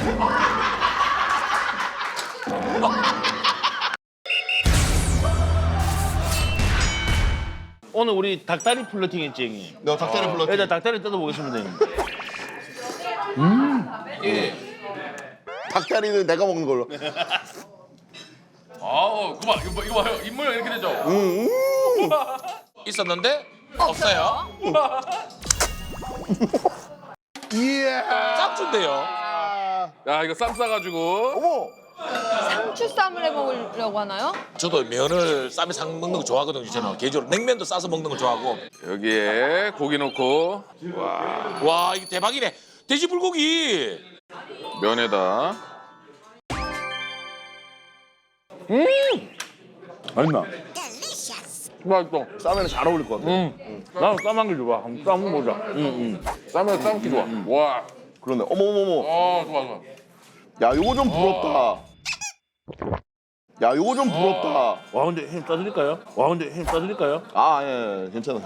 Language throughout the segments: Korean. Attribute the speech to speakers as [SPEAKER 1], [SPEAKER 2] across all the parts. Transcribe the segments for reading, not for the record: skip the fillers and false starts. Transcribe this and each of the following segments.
[SPEAKER 1] 오늘 우리 닭다리 플러팅 했지, 형님?
[SPEAKER 2] 너 닭다리 불렀지?
[SPEAKER 1] 일단 닭다리 뜯어보겠습니다, 형님.
[SPEAKER 2] 예. 닭다리는 내가 먹는 걸로.
[SPEAKER 3] 아우, 그만 이거 봐요. 입모양 이렇게 되죠. 있었는데 없어요.
[SPEAKER 2] 이야.
[SPEAKER 3] 짭준데요.
[SPEAKER 2] 아.
[SPEAKER 3] 야, 이거 쌈 싸가지고.
[SPEAKER 2] 어머.
[SPEAKER 4] 상추쌈을 해 먹으려고 하나요?
[SPEAKER 5] 저도 면을 쌈에 싸 먹는 거 좋아하거든요. 저는 개인적으로 냉면도 싸서 먹는 거 좋아하고.
[SPEAKER 3] 여기에 고기 넣고
[SPEAKER 5] 와 이거 대박이네. 돼지 불고기.
[SPEAKER 3] 면에다.
[SPEAKER 1] 맛있나?
[SPEAKER 3] 맛있어.
[SPEAKER 2] 쌈에는 잘 어울릴 것 같아.
[SPEAKER 1] 나는 쌈한 개 좋아. 한번 쌈 먹자.
[SPEAKER 3] 쌈에 쌈기 좋아. 와.
[SPEAKER 2] 그러네. 어머 어머 어머.
[SPEAKER 3] 좋아 좋아.
[SPEAKER 2] 야, 요거 좀 부럽다. 야, 요거 좀 부럽다.
[SPEAKER 1] 와, 근데 햄 싸드릴까요?
[SPEAKER 2] 아, 예, 예, 괜찮아.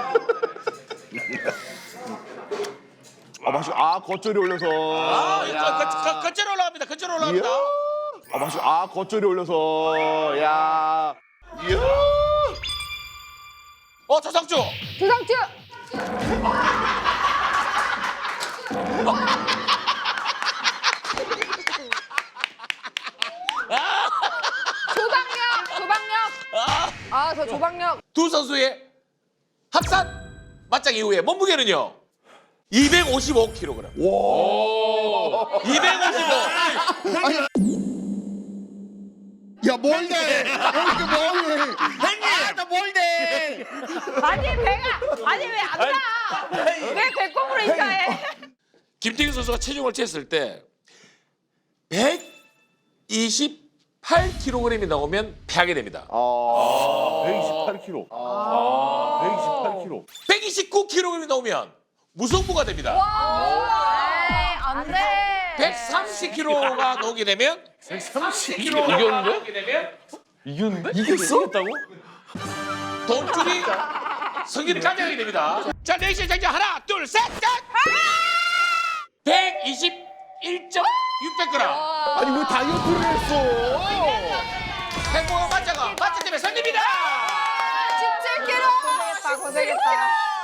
[SPEAKER 2] 아, 맛있. 아, 겉절이 올려서.
[SPEAKER 5] 겉절 올라갑니다. 겉절 올라갑니다.
[SPEAKER 2] 이야. 아, 맛있. 아, 겉절이 올려서. 야. 이야.
[SPEAKER 5] 조상주.
[SPEAKER 4] 조상추! 조방력! 아, 저 조방력.
[SPEAKER 5] 두 선수의 합산 맞짱 이후에 몸무게는요. 255kg.
[SPEAKER 3] 오.
[SPEAKER 5] 255.
[SPEAKER 2] 야, 뭘래? 이렇게 뭐해?
[SPEAKER 4] 아니, 왜 안 나? 왜 배꼽으로 인사해?
[SPEAKER 5] 김태균 선수가 체중을 쟀을 때 128kg이 나오면 패하게 됩니다.
[SPEAKER 1] 128kg. 128kg.
[SPEAKER 5] 129kg이 나오면 무승부가 됩니다.
[SPEAKER 4] 에이, 안 돼.
[SPEAKER 5] 130kg가 나오게 되면
[SPEAKER 1] 130kg. 이겼는데? 이겼어? 이겼다고?
[SPEAKER 5] 돈줄이 승리를 가져가게 됩니다. 자, 내시 장자 하나, 둘, 셋, 넷! 121.600g.
[SPEAKER 2] 아니, 왜 다이어트를 했어?
[SPEAKER 5] 행복한 맞짱가 맞짱 때문에 승리입니다.
[SPEAKER 4] 17kg. 고생했다.